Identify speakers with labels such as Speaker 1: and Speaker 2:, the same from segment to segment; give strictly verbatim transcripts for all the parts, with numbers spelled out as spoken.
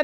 Speaker 1: ফালাইছেন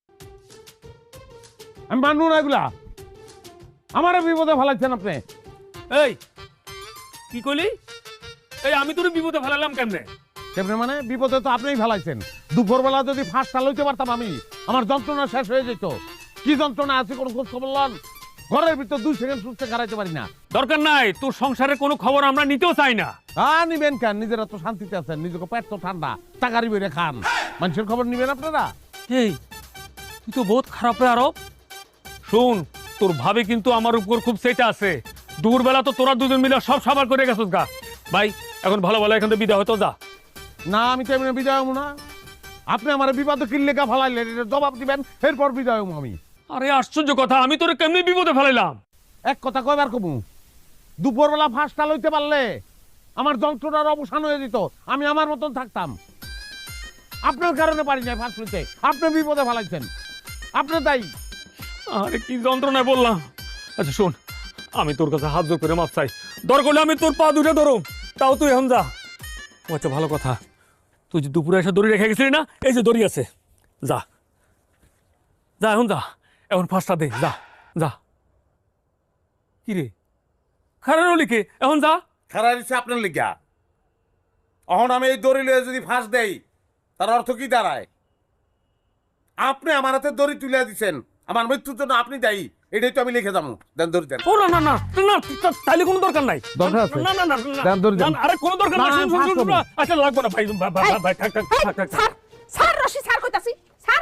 Speaker 1: আমি মানবো না এগুলা আমারে বিপদে ফালাইছেন আপনি
Speaker 2: এই কি কইলি এই আমি তোর বিপদে ফেলালাম কেমনে
Speaker 1: কেমনে মানে বিপদে তো আপনিই ফেলাইছেন দুপুরবেলা যদি ফাঁসটা লইতে পারতাম আমি আমার যন্ত্রণা শেষ হয়ে যেত কি যন্ত্রণা আছে কোনো খোঁজ খবর লন ঘরের ভিতর দুই সেকেন্ড সুস্থ খারাইতে পারি না
Speaker 2: দরকার নাই তোর সংসারের কোনো খবর আমরা নিতেও চাই না
Speaker 1: হ্যাঁ নিবেন কেন নিজেরা তো শান্তিতে আছেন নিজেকে পেট তো ঠান্ডা টাকারি বেড়ে খান মানুষের খবর নিবেন আপনারা
Speaker 2: এই তুই তো বহুত খারাপ রে আরব শুন তোর ভাবে কিন্তু আমার উপর খুব সেটা আছে দুপুরবেলা তো তোরা দুজন মিলে সব সাবার করে গেছিস গা ভাই এখন ভালো ভালো এখান থেকে বিদায় হতো যা
Speaker 1: না আমি তো এমনি বিদায় হবো না আপনি আমার বিপদে কিল্লেকা ফেলাইলেন এটা জবাব দিবেন এরপর বিদায় হবো আমি
Speaker 2: আরে আশ্চর্য কথা আমি তোরে কেমনি বিপদে ফেলাইলাম
Speaker 1: এক কথা কয়বার কমু দুপুরবেলা ফাঁসটা লইতে পারলে আমার যন্ত্রণার অবসান হয়ে যেত আমি আমার মতন থাকতাম আপনার কারণে পারি না ফাঁস লইতে আপনি বিপদে ফেলাইছেন আপনি দায়ী
Speaker 2: আরে কি যন্ত্রণায় বললাম আচ্ছা শোন আমি তোর কাছে হাত জোর করে মাপ চাই দরকার হলে আমি তোর পা দুটো ধরো তাও তুই এখন যা ও আচ্ছা ভালো কথা তুই যে দুপুরে এসে দড়ি রেখে গেছিলি না এই যে দড়ি আছে যা যা এখন যা এখন ফাঁসটা দে যা যা কি রে খারাপ লিখে এখন যা
Speaker 1: খারাপ দিচ্ছে আপনার লিগা এখন আমি এই দড়ি লয়ে যদি ফাঁস দেই তার অর্থ কি দাঁড়ায় আপনি আমার হাতে দড়ি তুলে দিচ্ছেন আমার মৃত্যুর জন্য আপনি দায়ী এটাই তো আমি লিখে যাবো দেন দড়ি দেন
Speaker 2: ও না না না না তাইলে কোনো দরকার নাই
Speaker 1: দরকার আছে
Speaker 2: না না না
Speaker 1: দেন দড়ি দেন
Speaker 2: আরে কোনো দরকার নাই শুন শুন শুন আচ্ছা লাগবে না ভাই ভাই ভাই থাক থাক থাক
Speaker 3: স্যার স্যার রশি স্যার কইতাছি স্যার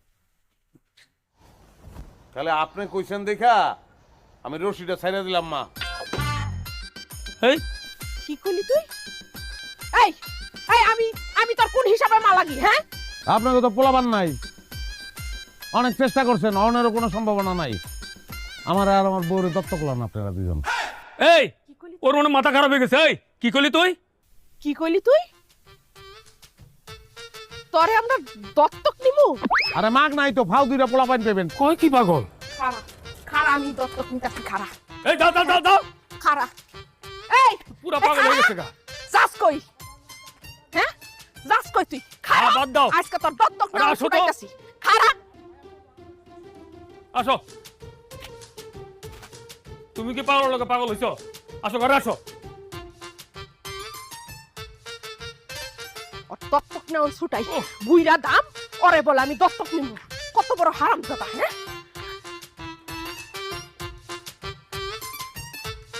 Speaker 1: তাহলে আপনি কইছেন দেখা আমি রশিটা ছাইড়া দিলাম মা
Speaker 2: এই
Speaker 3: কি কইলি তুই এই এই আমি আমি তোর কোন হিসাবে মা লাগি হ্যাঁ
Speaker 1: আপনাকে তো পোলাবান নাই অনেক চেষ্টা করছেন অনেরও কোনো সম্ভাবনা নাই আমার আর আমার বউরে দত্তক লন আপনারা দুজন
Speaker 2: এই ওর মনে মাথা খারাপ হয়ে গেছে এই কি কইলি তুই
Speaker 3: কি কইলি তুই তোরে আমরা দত্তক নিমু
Speaker 1: আরে মাগ নাই তো ফাউ দুইটা পোলাপান পেবেন
Speaker 2: কই কি পাগল
Speaker 3: খারা খারা আমি দত্তক নিতাছি খারা
Speaker 2: এই দাও দাও দাও দাও
Speaker 3: খারা এই
Speaker 2: পুরা পাগল হয়ে গেছে গা
Speaker 3: যাস কই হ্যাঁ যাস কই তুই খারা
Speaker 2: আ, বাদ দাও।
Speaker 3: আজকে তোর দত্তক
Speaker 2: আরে
Speaker 3: নাম
Speaker 2: আসো তো।
Speaker 3: শুকাইতাছি খারা
Speaker 2: আসো তুমি কি পাগল লোকে পাগল হইছো আসো ঘরে আসো
Speaker 3: ওর দত্তক নেওয়ার ছুটাই বুইরা দাম ওরে বলে আমি দত্তক নিমু কত বড় হারামজাদা হ্যাঁ